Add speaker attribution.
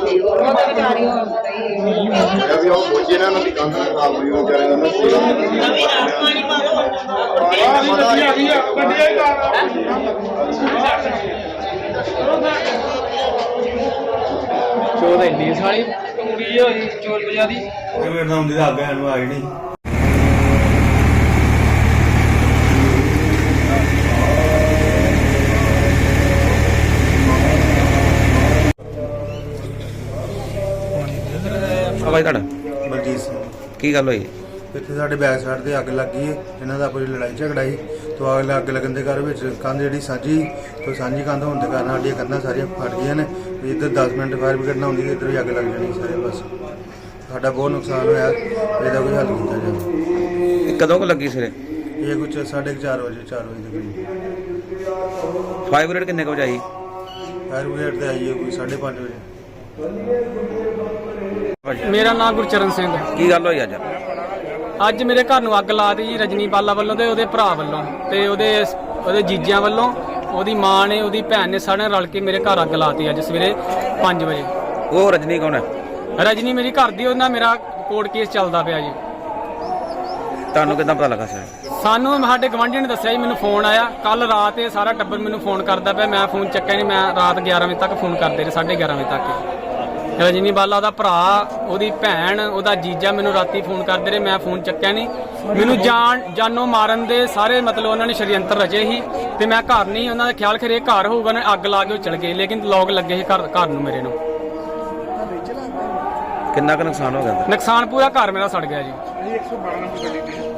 Speaker 1: ਵੀ ਉਹ ਬੋਝੇ ਨਾਲ ਦੀ ਕੰਧ ਨਾਲ ਖਰਾਬ ਹੋਈ ਉਹ ਵਿਚਾਰੇ ਦਾ
Speaker 2: ਚੋਦ ਇੰਨੀ ਸਾਲੀ ਕੁੜੀ ਹੋਈ ਚੋਰ ਵਜਾ ਦੀ
Speaker 3: ਮੇਰੇ ਨਾਲ ਹੁੰਦੀ ਤਾਂ ਅੱਗੇ ਨੂੰ ਆਈ ਨਹੀਂ।
Speaker 4: ਭਾਈ ਤੁਹਾਡਾ
Speaker 3: ਬਲਜੀਤ ਸਿੰਘ
Speaker 4: ਕੀ ਗੱਲ ਹੋਈ?
Speaker 3: ਇੱਥੇ ਸਾਡੇ ਬੈਕ ਸਾਈਡ ਤੇ ਅੱਗ ਲੱਗੀ ਹੈ। ਇਹਨਾਂ ਦਾ ਕੋਈ ਲੜਾਈ ਝਗੜਾ ਸੀ ਤੋਂ ਅੱਗ ਲੱਗਣ ਦੇ ਘਰ ਵਿੱਚ ਕੰਧ ਜਿਹੜੀ ਸਾਂਝੀ ਤੋਂ ਸਾਂਝੀ ਕੰਧ ਹੋਣ ਦੇ ਕਾਰਨ ਸਾਡੀਆਂ ਕੰਧਾਂ ਸਾਰੀਆਂ ਫਟ ਗਈਆਂ ਨੇ। ਵੀ ਇੱਧਰ 10 ਮਿੰਟ ਫਾਇਰ ਬ੍ਰਿਗੇਡ ਨਾ ਹੁੰਦੀ ਤੇ ਇੱਧਰ ਵੀ ਅੱਗ ਲੱਗ ਜਾਣੀ ਸਾਰੇ ਬਸ। ਸਾਡਾ ਬਹੁਤ ਨੁਕਸਾਨ ਹੋਇਆ, ਇਹਦਾ ਕੋਈ ਹੱਲ ਕੀਤਾ ਜਾਵੇ।
Speaker 4: ਕਦੋਂ ਕੁ ਲੱਗੀ ਸਿਰੇ?
Speaker 3: ਇਹ ਕੁਝ 4:30 ਵਜੇ 4 ਵਜੇ ਦੇ ਕਰੀਬ।
Speaker 4: ਫਾਇਰ ਬ੍ਰਿਗੇਡ ਕਿੰਨੇ ਕੁ ਵਜੇ ਆਈ?
Speaker 3: ਫਾਇਰ ਬ੍ਰਿਗੇਡ ਤੇ ਆਈ ਹੈ ਕੋਈ 5:30 ਵਜੇ।
Speaker 2: ਮੇਰਾ ਨਾਮ ਗੁਰਚਰਨ ਸਿੰਘ ਹੈ।
Speaker 4: ਕੀ ਗੱਲ ਹੋਈ ਅੱਜ?
Speaker 2: ਅੱਜ ਮੇਰੇ ਘਰ ਨੂੰ ਅੱਗ ਲਾ ਦਿੱਤੀ ਜੀ ਰਜਨੀ ਬਾਲਾ ਵੱਲੋਂ ਤੇ ਉਹਦੇ ਭਰਾ ਵੱਲੋਂ ਤੇ ਉਹਦੇ ਜੀਜਿਆਂ ਵੱਲੋਂ। ਉਹਦੀ ਮਾਂ ਨੇ ਉਹਦੀ ਭੈਣ ਨੇ ਸਾਰਿਆਂ ਰਲ ਕੇ ਮੇਰੇ ਘਰ ਅੱਗ ਲਾਤੀ ਅੱਜ ਸਵੇਰੇ 5 ਵਜੇ।
Speaker 4: ਉਹ ਰਜਨੀ ਕੌਣ ਹੈ?
Speaker 2: ਰਜਨੀ ਮੇਰੀ ਘਰ ਦੀ, ਉਹਦੇ ਨਾਲ ਮੇਰਾ ਕੋਰਟ ਕੇਸ ਚੱਲਦਾ ਪਿਆ ਜੀ।
Speaker 4: ਤੁਹਾਨੂੰ ਕਿੱਦਾਂ ਪਤਾ ਲੱਗਾ ਸਰ?
Speaker 2: ਸਾਨੂੰ ਸਾਡੇ ਗਵਾਂਢੀ ਨੇ ਦੱਸਿਆ ਜੀ, ਮੈਨੂੰ ਫੋਨ ਆਇਆ ਕੱਲ ਰਾਤ। ਇਹ ਸਾਰਾ ਟੱਬਰ ਮੈਨੂੰ ਫੋਨ ਕਰਦਾ ਪਿਆ, ਮੈਂ ਫੋਨ ਚੱਕਿਆ ਨਹੀਂ। ਮੈਂ ਰਾਤ 11 ਵਜੇ ਤੱਕ ਫੋਨ ਕਰਦੇ ਰਹੇ, 11:30 ਵਜੇ ਤੱਕ। ਰਜਨੀ ਬਾਲਾ ਉਹਦਾ ਭਰਾ, ਉਹਦੀ ਭੈਣ, ਉਹਦਾ ਜੀਜਾ ਮੈਨੂੰ ਰਾਤੀ ਫੋਨ ਕਰਦੇ ਰਹੇ, ਮੈਂ ਫੋਨ ਚੱਕਿਆ ਨਹੀਂ। ਮੈਨੂੰ ਜਾਨੋਂ ਮਾਰਨ ਦੇ ਸਾਰੇ ਮਤਲਬ ਉਹਨਾਂ ਨੇ ਸ਼ਰੀਅੰਤਰ ਰਚੇ ਸੀ ਤੇ ਮੈਂ ਘਰ ਨਹੀਂ। ਉਹਨਾਂ ਦਾ ਖਿਆਲ ਖਰੇ ਘਰ ਹੋਊਗਾ, ਉਹਨੇ ਅੱਗ ਲਾ ਕੇ ਉਹ ਚਲ ਗਏ, ਲੇਕਿਨ ਲੋਕ ਲੱਗੇ ਸੀ ਘਰ ਨੂੰ ਮੇਰੇ ਨੂੰ।
Speaker 4: ਕਿੰਨਾ ਕੁ ਨੁਕਸਾਨ ਹੋ ਗਿਆ?
Speaker 2: ਨੁਕਸਾਨ ਪੂਰਾ ਘਰ ਮੇਰਾ ਸੜ ਗਿਆ ਜੀ।